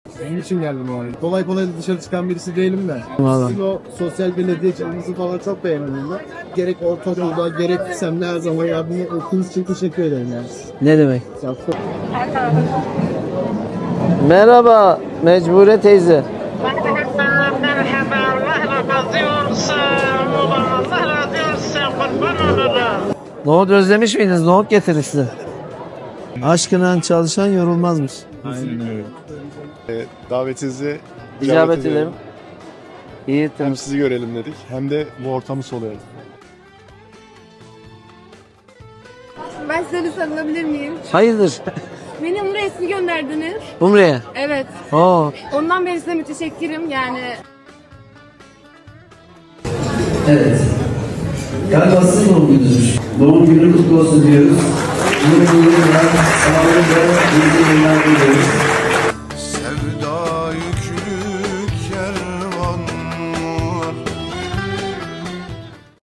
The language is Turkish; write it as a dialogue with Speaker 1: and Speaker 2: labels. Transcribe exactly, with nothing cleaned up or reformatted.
Speaker 1: Onun için geldim o arada. Kolay kolay dışarı çıkan birisi değilim de.
Speaker 2: Vallahi.
Speaker 1: Sizin o sosyal belediyeciliğinizi falan çok beğendim ben. Gerek ortaokulda gerek lisemde her zaman yardım ettiğiniz için teşekkür ederim yani.
Speaker 2: Ne demek?
Speaker 1: Ya,
Speaker 2: Merhaba Mecbure teyze.
Speaker 3: Merhaba, Allah razı olsun. Allah razı olsun. Kurban olurum.
Speaker 2: Nohut özlemiş miydiniz? Nohut getirdik size. Aşkına çalışan yorulmazmış.
Speaker 1: aynen öyle.
Speaker 4: E, davetinizi
Speaker 2: İcabet ederim. İyi
Speaker 4: Hem
Speaker 2: temiz.
Speaker 4: sizi görelim dedik hem de bu ortamı soluyalım.
Speaker 5: Ben size bir sarılabilir miyim?
Speaker 2: Hayırdır?
Speaker 5: Beni Umre resmi gönderdiniz.
Speaker 2: Umre'ye.
Speaker 5: Evet.
Speaker 2: Oo.
Speaker 5: Ondan beri size müteşekkirim yani.
Speaker 2: Evet. Galiba sizin doğum gününüz. Doğum günü kutlu olsun diyoruz. Yeni yıllar, sağlık ve iyi yıllar diliyoruz.
Speaker 6: Sevdayı